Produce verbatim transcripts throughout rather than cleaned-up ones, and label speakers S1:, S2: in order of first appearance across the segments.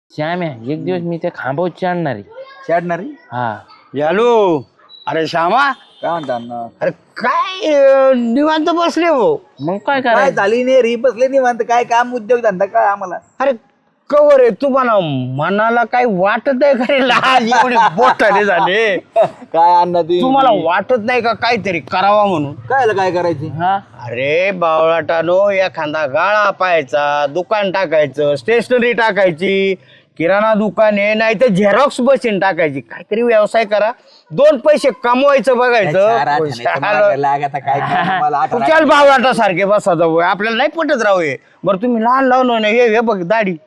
S1: श्याम्या एक दिवस मी त्या खांबावर चढणार आहे.
S2: चढणारी
S1: हा
S3: यालो अरे श्यामा
S2: काय म्हणतात
S3: अरे काय अं, निवांत बसले हो.
S1: मग काय
S2: काय
S1: करायचं?
S2: झाली नाही री बसले नाही म्हणत काय काम उद्योग धंदा काय आम्हाला
S3: अरे कवर आहे तुम्हाला मनाला काय वाटत आहे का रे लहान एवढे बोटाने झाले
S2: काय अण्णा ती
S3: तुम्हाला वाटत नाही का काहीतरी करावा म्हणून?
S2: काय काय करायची
S1: हा
S3: अरे बावळाटानो एखादा गाळा पाहायचा, दुकान टाकायचं, स्टेशनरी टाकायची, किराणा दुकान आहे, नाही तर झेरॉक्स मशीन टाकायची, काहीतरी व्यवसाय करा, दोन पैसे कमवायचं बघायचं.
S2: लागत काय काय मला आठवण
S3: कुशाल बावळाटा सारखे बसा जाऊ आपल्याला नाही पटत राहू हे. बरं तुम्ही लहान लावून हे हे बघ दाढी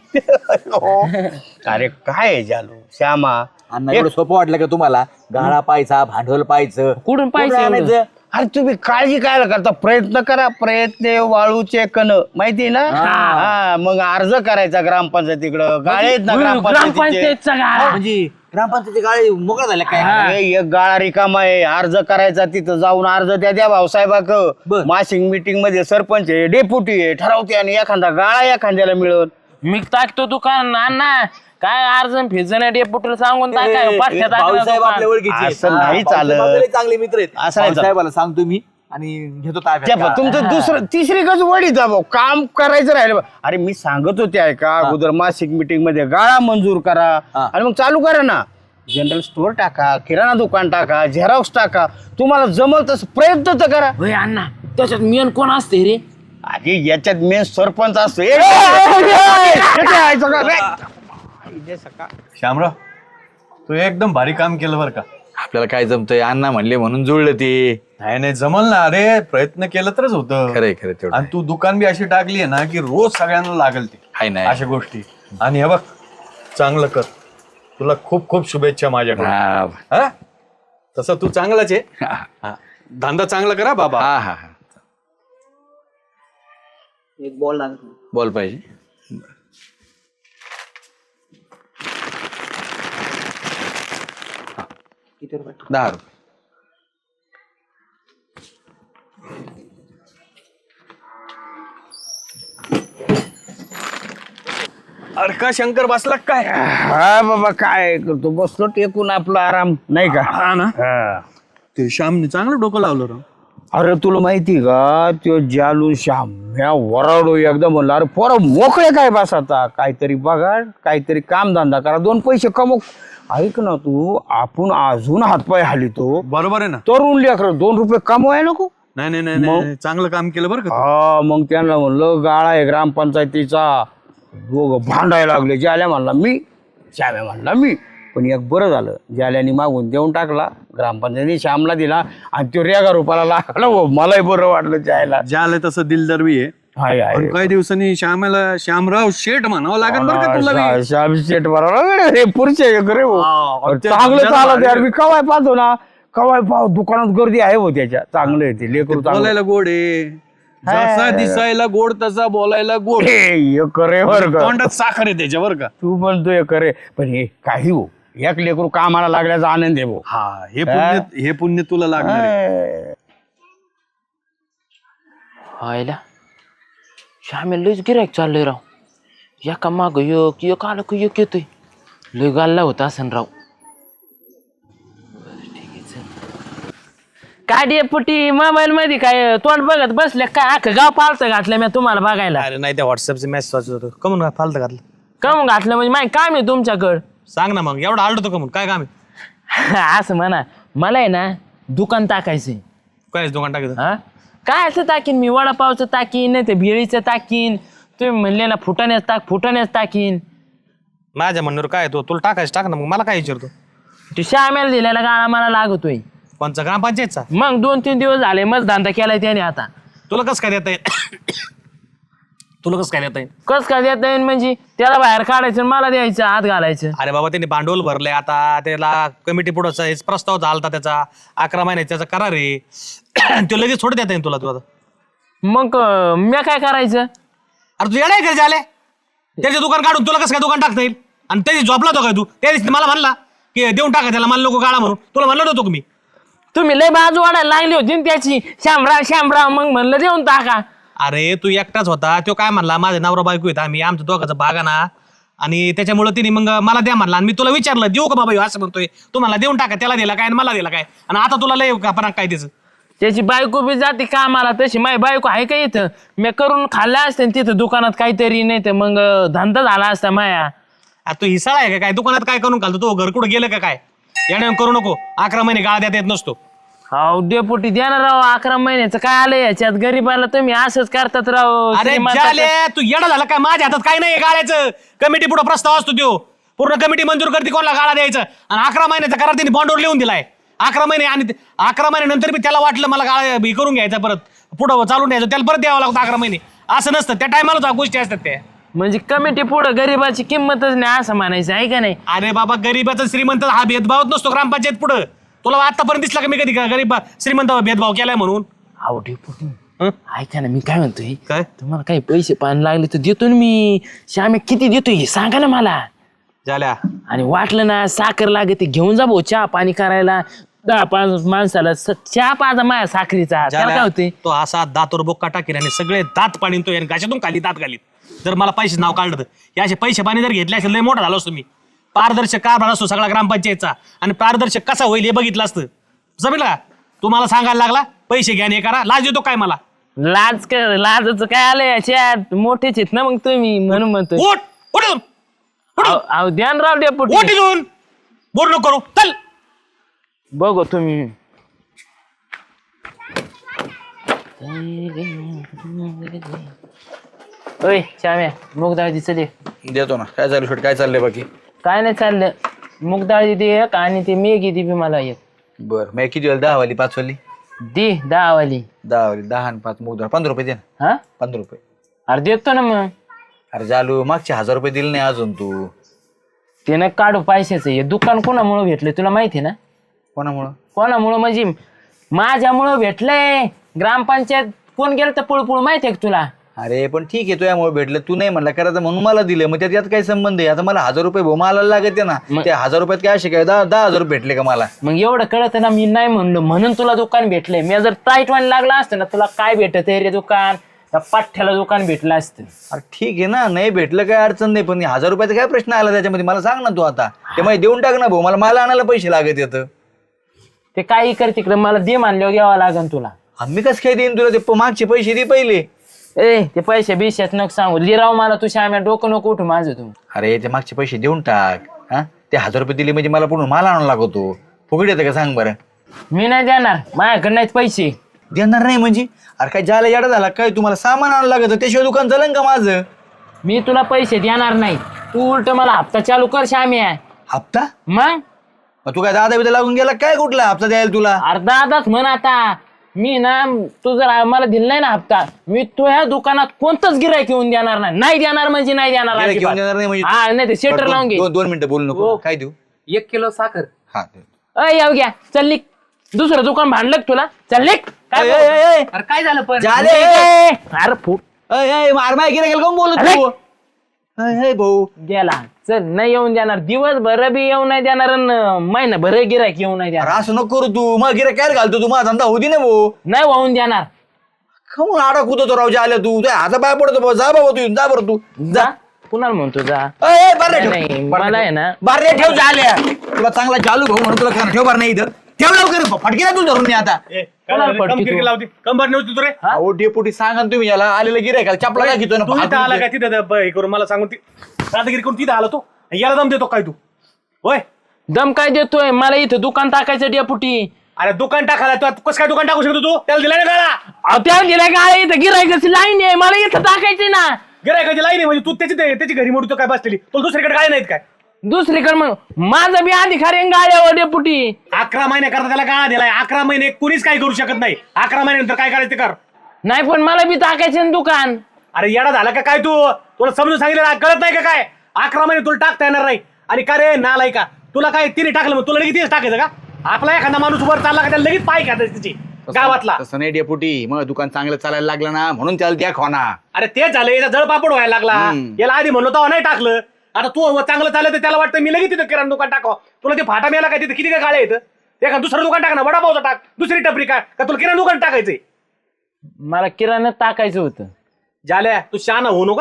S3: अरे काय आहे जालू श्यामा
S2: अण्णा एवढं सोपं वाटलं का तुम्हाला? गाळा पाहायचा, भांडवल पाहायचं,
S1: कुठून पाहिजे एवढं?
S2: आणायचं?
S3: अरे तुम्ही काळजी काय करता? प्रयत्न करा, प्रयत्न वाळूचे कण माहिती ना. हा मग अर्ज करायचा ग्रामपंचायतीकडं. गाळे आहेत ना ग्रामपंचायतीचे.
S1: ग्रामपंचायतचा गाळा.
S2: म्हणजे ग्रामपंचायती गाळी मोकळा झाल्या काय?
S3: अरे, एक गाळा रिकामा आहे, अर्ज करायचा, तिथं जाऊन अर्ज द्या द्या भाऊसाहेबाक.
S2: बर.
S3: मासिक मीटिंग मध्ये सरपंच आहे, डेप्युटी आहे, ठरवते आणि एखादा गाळा एखाद्याला मिळत.
S1: मी टाकतो दुकान अण्णा काय अर्जन फिजन डेपुटीला सांगून टाकाय
S2: ए,
S1: पाठ्यात
S2: भाऊसाहेब आपल्या ओळखीचे आहेत.
S3: असं नाही
S2: हा, भाऊसाहेब
S3: चालत.
S2: आपले चांगले मित्र आहेत.
S3: असं नाही चालत.
S2: भाऊसाहेबाला सांगतो मी आणि घेतो
S3: त्या
S2: ताब्यात.
S3: प- तुमचं दुसरं तिसरी गज वडी जा भाऊ, काम करायचं राहिलं. अरे मी सांगत होते ऐका अगोदर मासिक मीटिंग मध्ये गाळा मंजूर करा
S2: हा.
S3: आणि मग चालू करा ना. जनरल स्टोअर टाका, किराणा दुकान टाका, झेरॉक्स टाका, तुम्हाला जमल तसं प्रयत्न तर करा.
S1: होय अण्णा त्याच्यात मेन कोण असते रे?
S3: अरे याच्यात मेन सरपंच असतो. ए, ए, ए, इथे आहे सगळं. ए,
S4: श्यामराव तू एकदम भारी काम केलं बरं का.
S5: आपल्याला काय जमतंय? अण्णा म्हणले म्हणून जुळलं ते.
S4: नाही नाही जमल ना. अरे प्रयत्न केलं तरच होतं.
S5: खरंय खरं तेवढं
S4: आणि तू दुकान बी अशी टाकली आहे ना की रोज सगळ्यांना लागल ती
S5: हाय नाही.
S4: अशा गोष्टी. आणि हे बघ चांगलं कर. तुला खूप खूप शुभेच्छा माझ्याकडून.
S5: हा
S4: हा तसं तू चांगलाच आहे. हा. धंदा चांगला करा बाबा.
S5: हा हा हा.
S2: एक बॉल लागत
S5: बोल पाहिजे.
S2: किती रुपये?
S5: दहा रुपये.
S4: अरे का शंकर बसला काय?
S3: हा बाबा काय करतो, बसलो टेकून आपला आराम नाही का.
S4: हा ना.
S3: हा.
S4: ते श्यामने चांगलं डोकं लावलं राव.
S3: अरे तुला माहिती का त्यो जालू श्याम्या वराडो एकदम म्हणलं अरे पोरं मोकळे काय बस आता, काहीतरी बघा, काहीतरी कामधंदा करा, दोन पैसे कमव. ऐक ना तू, आपण अजून हातपाय हालितो,
S4: बरोबर आहे ना.
S3: तरुण लेकर दोन रुपये कमवाय नको.
S4: नाही नाही नाही नाही चांगलं काम केलं बरं का तू.
S3: हा मग त्यांना म्हणलं गाळा आहे ग्रामपंचायतीचा, दोघं भांडायला लागले. ज्याल्या म्हणला मी, श्याम्या म्हणला मी. पण एक बरं झालं, ज्याल्याने मागून देऊन टाकला, ग्रामपंचायतीने श्यामला दिला आणि तो रेगा रुपाला लागला. हो मलाही बरं वाटलं जायला.
S4: ज्याला तसं दिलदार बी आहे.
S3: हाय हाय
S4: पण काही दिवसांनी श्यामाला श्यामराव शेठ म्हणावं लागेल बरं का तुला बी.
S3: श्याम शेट बरोबर रे, पुढचे एक रे हो.
S4: हा, त्या
S3: चांगलं
S4: धंद्याला
S3: चालत यार,
S4: भारी.
S3: मी कवाय पाहतो ना, कवाय पाहतो दुकानात गर्दी आहे हो त्याच्या. चांगलं आहे ते लेकरू चांगलं.
S4: बोलायला गोड आहे. जसा दिसायला गोड तसा बोलायला गोड.
S3: हे एक रे बर का,
S4: तोंडात साखर आहे त्याच्या बरं का.
S3: तू म्हणतो एक रे, पण हे काही हो, एक लेकरू कामाला लागल्याचा आनंद आहे भाऊ.
S4: हा हे पुण्य हे पुण्य तुला लागणार आहे.
S1: व्हायला श्यामे लयच गिरायक चाललंय राव. एका माग एक एक आलं की एक येतोय. लय गाल्ला होता असन राव. काय डेपुटी मोबाईल मध्ये काय तोंड बघत बसले काय? अख्खं गाव पालतं घातलं मी तुम्हाला बघायला.
S6: अरे नाही त्या व्हॉट्सअपचे मेसेज वाचत होतो. कमून फालतं घातलं?
S1: कम घातलं म्हणजे माहिती काम आहे तुमच्याकडं.
S6: सांग ना मग. एवढा आलतो कमून काय काम आहे?
S1: असं म्हणा, मला आहे ना दुकान टाकायचंय.
S6: काय दुकान टाकायचं?
S1: हा काय असं टाकीन मी, वडापावचं टाकीन, नाही तर भेळीचं टाकीन. तुम्ही म्हणले ना फुटाण्याच टाक, फुटाण्याच टाकीन.
S6: माझ्या म्हणण्यावर काय तो तुला टाकायचं टाक ना. मग मला काय विचारतो?
S1: तू श्यामेला दिलेला गाळा मला लागतोय.
S6: कोणचा? ग्रामपंचायतचा?
S1: मग दोन तीन दिवस झाले मग धंदा केलाय त्याने. आता
S6: तुला कसं काय देता येईल? तुला कसं काय देता येईल?
S1: कस काय देता येईल म्हणजे? त्याला बाहेर काढायचं आणि मला द्यायचं, हात घालायचं.
S6: अरे बाबा त्यांनी भांडवल भरलंय. आता त्याला कमिटी पुढचा प्रस्ताव झालता त्याचा. अकरा महिन्यात त्याचा करार आहे. तो लगेच थोडं देता येईल तुला. तू आता
S1: मग अं, मी काय करायचं?
S6: अरे तू येणार घरी आले त्याचे दुकान काढून तुला कसं काय दुकान टाकता येईल? आणि त्याची झोपला तो काय तू? त्या दिवशी मला म्हणला की देऊन टाका त्याला, मला नको गाळा म्हणून. तुला म्हणलं नव्हतो मी?
S1: तुम्ही लय बाजू वाढायला लागली होती ना त्याची, श्यामराव श्यामराव. मग म्हणलं देऊन टाका.
S6: अरे तू एकटाच होता. तो काय म्हणला माझे नवरा बायको येत आम्ही, आमच्या दोघांचा भागा ना आणि त्याच्यामुळे तिने मग मला द्या म्हणला आणि मी तुला विचारलं देऊ का बाबा ह्यो असं म्हणतोय तुम्हाला देऊन टाका त्याला दिला काय आणि मला दिला काय आणि आता तुला लय आपण काय त्याचं
S1: त्याची बायको बी जाते कामाला तशी माझी बायको आहे का इथं मी करून खाल्ल्या असते तिथं दुकानात काहीतरी नाही तर मग धंदा झाला असता माया.
S6: आता तू हिसाळा आहे का काय दुकानात काय करून घालतो तो घर कुठं गेलं का काय याने करू नको अकरा महिने गाळा देता येत नसतो.
S1: हो डेपुटी द्या ना राव अकरा महिन्याचं काय आलं याच्यात गरीबाला तुम्ही असंच करतात राव.
S6: अरे
S1: श्रीमंताचं-
S6: झाले तू येडा झाला काय माझ्या हातात काय नाही गाळ्याचं कमिटी पुढे प्रस्ताव असतो त्यो पूर्ण कमिटी मंजूर करते कोणाला गाळा द्यायचं आणि अकरा महिन्याचा करार त्यांनी बॉन्डवर लिहून दिलाय अकरा महिने आणि ते- अकरा महिन्यानंतर बी त्याला वाटलं मला गाळा हे करून घ्यायचा परत पुढं चालून द्यायचं त्याला परत द्यावं लागतं अकरा महिने असं नसतं त्या टायमाला गोष्टी असतात त्या.
S1: म्हणजे कमिटी पुढं गरीबाची किंमतच नाही असं म्हणायचं आहे का नाही.
S6: अरे बाबा गरीबाचा श्रीमंत हा भेदभावच नसतो ग्रामपंचायत पुढं तुला आतापर्यंत दिसला का मी कधी का गरीब श्रीमंत भेदभाव केलाय म्हणून.
S1: अहो डेपुटी ऐका ना मी काय म्हणतोय
S6: काय
S1: तुम्हाला काही पैसे पाणी लागले तर देतो ना मी. श्यामे किती देतोय हे सांगा ना मला.
S6: झाल्या
S1: आणि वाटलं ना साखर लागते घेऊन जा भाऊ चहा पाणी करायला दहा पाच माणसाला स- चहा पाजा माया साखरीचा त्याला काय होते.
S6: तो असा दातवर बोक्का टाकेल आणि सगळे दात पाणी तो याने घाशातून खाली दात घालीत जर मला पैसे नाव काढलं तर हे असे पैसे पाणी जर घेतले असेल लय मोठा झालो असतो मी. पारदर्शक कारभार असतो सगळा ग्रामपंचायतचा आणि पारदर्शक कसा होईल हे बघितलं असतं जमेल का. तू मला सांगायला लागला पैसे घ्या हे करा लाज देतो काय मला.
S1: लाज कर लाजच काय आलं याच्यात मोठेच आहेत ना मग तुम्ही म्हणून म्हणतोय.
S6: उठ उठ इथून. उठ इथून.
S1: अहो अहो, ध्यान राव डेपुटी
S6: उठ इथून. बोर नको करू चल.
S1: बघू तुम्ही. ओय श्याम्या मूग डाळ चले
S5: देतो ना काय चालू शेट काय चाललंय बाकी.
S1: काय नाही चाललं मूग डाळ दे एक आणि ते मेगी दे बी मला एक.
S5: बर मी किती वाली दहा वाली पाच वाली
S1: दे दहा वाली.
S5: दहा वाली दहा आणि पाच मुद्रा पंधरा रुपये दे ना
S1: हा
S5: पंधरा रुपये.
S1: अरे देतो ना मग.
S5: अरे चालू मागचे हजार रुपये दिले नाही अजून तू.
S1: ते ना काढू पैशाचं हे दुकान कोणामुळं भेटलं तुला माहिती आहे ना.
S5: कोणामुळं
S1: कोणामुळं म्हणजे माझ्यामुळं भेटलंय. ग्रामपंचायत कोण गेलं तर पुळपुळ माहिती आहे का तुला.
S5: अरे पण ठीक आहे तुझ्यामुळे भेटलं तू नाही म्हणला करायचं म्हणून मला दिलं मग त्यात यात काय संबंध आहे. आता मला हजार रुपये भाऊ मला लागते ना
S1: मग-
S5: त्या हजार रुपयात काय असे काय दहा दहा हजार रुपये भेटले का मला.
S1: मग एवढं कळत ना मी नाही म्हणलो म्हणून तुला दुकान भेटलंय. मी जर टाईट वाणी लागला असतं ना तुला काय भेटत रे दुकान त्या पाठ्याला दुकान भेटलं असतं.
S5: अरे ठीक आहे ना नाही भेटलं काय अडचण नाही पण हजार रुपयाचा काय प्रश्न आला त्याच्यामध्ये मला सांग ना तू आता ते मला देऊन टाक ना भाऊ मला मला आणायला पैसे लागत येतं.
S1: ते काही कर तिकडे मला दे मानल्यावर द्यावं लागन तुला.
S5: आम्ही कसं काय देईन तुला ते प- मागचे पैसे दे पहिले.
S1: ए ते पैसे बिशात नको सांगू लिराव मला तू श्याम्या डोकं नको उठू माझं तू.
S5: अरे ते मागचे पैसे देऊन टाक हा ते हजार रुपये दिले म्हणजे मला पुढून माल आणायला लागतो फुकट येतं का सांग बरं.
S1: मी नाही देणार माझ्याकडे नाहीत पैसे.
S5: देणार नाही म्हणजे अरे काय ज्याला येडा झाला काय तुम्हाला सामान आणावं लागतं त्याशिवाय दुकान चालेल का माझं.
S1: मी तुला पैसे देणार नाही तू उलट मला हप्ता चालू कर श्याम्या.
S5: हप्ता
S1: मग
S5: मग तू काय दादा बिदा लागून गेला काय कुठला हप्ता द्यायला तुला.
S1: अर्धा अर्धाच म्हण आता. मी ना तू जर मला दिला नाही ना हप्ता मी तो ह्या दुकानात कोणतंच गिरायक येऊन देणार नाही. नाही देणार म्हणजे नाही देणार
S5: गिऱ्हाईक येऊन
S1: अजिबात.
S5: देणार नाही म्हणजे
S1: हा नाही ते शेटर लावून घे.
S5: दोन दोन मिनिटं बोलू नको काय देऊ.
S7: एक किलो साखर.
S5: हा
S1: अय येऊ घ्या चल निघ. दुसरं दुकान भांडलं का तुला चल निघ. काय
S5: ए, ए, ए, ए.
S7: अरे काय झालं पण
S5: झाले
S1: ए, अरे फुट
S5: अय, अय, मार माय गिऱ्हाईक कोण बोलत
S1: अरे.
S5: तू अय, अय, भाऊ
S1: गेला चल नाही येऊन देणार दिवसभर बी येऊ नाही देणार अन महिनाभर गिरायक येऊ नाही
S5: अरे
S1: देणार.
S5: असं नको करू तू मग गिऱ्हाईक काय घालतो तू माझा धंदा होती ना भाऊ.
S1: नाही वाहून देणार.
S5: खमून आडा कुदतो राव आल्या तू तुझ्या हाता पाय पडतो भाऊ. जा बाबा तू जा बरं तू
S1: जा कुणाला म्हणतो जा.
S5: अय, अय, बारे
S1: नाही,
S5: ठेव.
S1: मला आहे ना
S5: बारे ठेव झाल्या तुला चांगला चालू भाऊ म्हणून तुला खाणं ठेव बार नाही इथं ठेव लवकर फटके ना तू धरून मी आता.
S6: ए,
S1: कोणाला
S6: काय झालं?
S1: फटकी
S6: कम किरकिर
S1: तू?
S6: लावते कंबर नव्हती तू रे
S5: अहो डेपुटी सांगा ना तुम्ही याला आलेलं गिऱ्हाईकाला चपला काय घेतो ना
S6: तू इथं आला
S5: हात
S6: काय तिथं द- ब- हे करून मला सांगून ती दादागिरी करून तिथं आला तो याला दम देतो काय तू होय.
S1: दम काय देतोय मला इथं दुकान टाकायचं डेपुटी.
S6: अरे दुकान टाकायला तू कसं काय दुकान टाकू शकतो तू त्याला दिला ना गाळा
S1: अहो त्याला गेला काय इथं गिरायकाची लाईन आहे मला इथं टाकायची ना.
S6: गिरायकाची लाईन आहे म्हणजे तू त्याची त्याची घरी मोडतो काय बसलेली तुला दुसरीकडे काय नाहीत काय.
S1: दुसरीकडे मग माझा बी अधिकार आहे गाड्यावर डेपुटी.
S6: अकरा महिने करता त्याला गाळा दिलाय अकरा महिने कुणीच काय करू शकत नाही अकरा महिन्यानंतर काय करायचं ते कर.
S1: नाही पण मला बी टाकायचं ना दुकान.
S6: अरे येडा झाला का काय तू तुला समजून सांगितलं ना, कळत नाही का काय अकरा महिने तुला टाकता येणार नाही. आणि का रे नालाय का तुला काय तिने टाकलं मग तुला लगेच तेच टाकायचं का. आपला एखादा माणूस वर चालला का त्याला लगेच पाय खात तिची गावातला.
S5: तसं नाही डेपुटी मग दुकान चांगलं चालायला लागलं ना म्हणून त्याला द्या खोना.
S6: अरे तेच झालं याचा जळ पापड व्हायला लागला
S5: हम्म.
S6: याला आधी म्हणलो तेव्हा नाही टाकलं. आता तू चांगलं चाललं तर त्याला वाटतं मी लगेच तिथं किराणा दुकान टाकावं. तुला ते फाटा मिळाला काय तिथे किती काय गाळे येतं ते का दुसरं दुकान टाक ना वडापावचं टाक दुसरी टपरी काय का तुला किराणा दुकान टाकायचंय.
S1: मला किराणा टाकायचं होतं.
S6: झाल्या तू शहाणा होऊ नका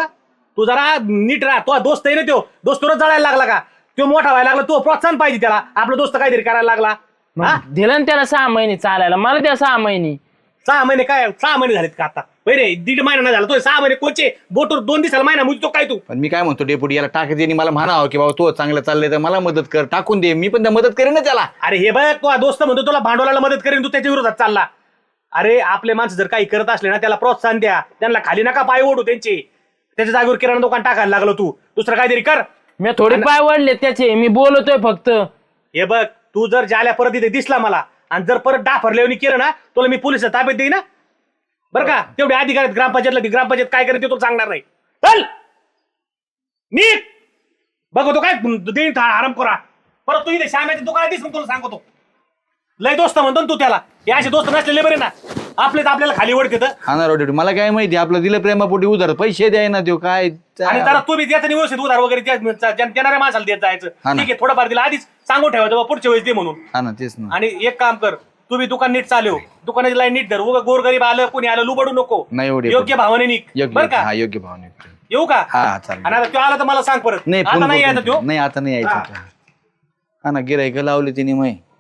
S6: तू जरा नीट राहा. तो दोस्त आहे ना, तो दोस्त तुला जळायला लागला का? तो मोठा व्हायला लागला, तो प्रोत्साहन पाहिजे त्याला. आपला दोस्त काहीतरी करायला लागला. हा?
S1: दिलं ना त्याला सहा महिने चालायला, मला द्या सहा महिने.
S6: सहा महिने काय सहा महिने झालेत का आता? बरे दीड महिना नाही झाला तो सहा महिने कोचे बोटवर दोन दिवसाला महिना मुजतो काय तू?
S5: पण मी काय म्हणतो डेपुटी, याला टाकायचे मला म्हणावं की बाबा तो चांगलं चाललंय तर मला मदत कर, टाकून दे, मी पण त्या मदत करेन ना त्याला.
S6: अरे हे बघ, तो दोस्त म्हणतो तुला भांडवलाला मदत करेन, तू त्याच्या विरोधात चालला. अरे आपले माणसं जर काही करत असले ना त्याला प्रोत्साहन द्या, त्यांना खाली नका पाय ओढू त्यांचे. त्याच्या जागेवर किराणा दुकान टाकायला लागलो तू, दुसरं काहीतरी कर.
S1: मी थोडे पाय वडले त्याचे, मी बोलतोय फक्त.
S6: हे बघ, तू जर ज्याला परत इथे दिसला मला आणि जर परत डाफरले केलं ना, तुला मी पोलिस ताब्यात देईन ना, बरं का? तेवढे अधिकार आहेत ग्रामपंचायतला, ती ग्रामपंचायत काय करते तुला सांगणार नाही. चल नीट बघतो काय देईन आराम करा. परत तू इथे श्यामाच्या दुकानात दिस, मग तुला सांगतो. लय दोस्त म्हणतो ना तू त्याला, हे असे दोस्त नसलेले बरे ना, आपलेच आपल्याला खाली ओढते.
S5: हा ना डेपुटी, मला काय माहिती आपलं दिलं प्रेमापोटी उधार पैसे द्याय ना तो काय.
S6: आणि जरा तू बी त्याचं व्यवस्थित उधार वगैरे त्या- देणाऱ्या माणसाला देत जायचं.
S5: हा ना.
S6: ठीक आहे, थोडंफार दिला आधीच सांगून ठेवायचं बा पुढच्या वेळेस दे म्हणून.
S5: हा ना तेच ना.
S6: आणि एक काम कर, तू बी दुकान नीट चालव, दुकानाची लाईन नीट धर. उगा गोरगरीब आलं कोणी आलं लुबडू नको.
S5: नाही एवढे
S6: योग्य भावाने निघ,
S5: योग्य
S6: बरं का?
S5: हा योग्य भावने.
S6: येऊ का?
S5: हा हा चालेल.
S6: आणि आता तो आला तर मला सांग परत.
S5: नाही
S6: आता
S5: फोन
S6: नाही
S5: करतो.
S6: यायचा तो.
S5: नाही आता नाही यायचं. हा ना गिरायक लावली तिने मै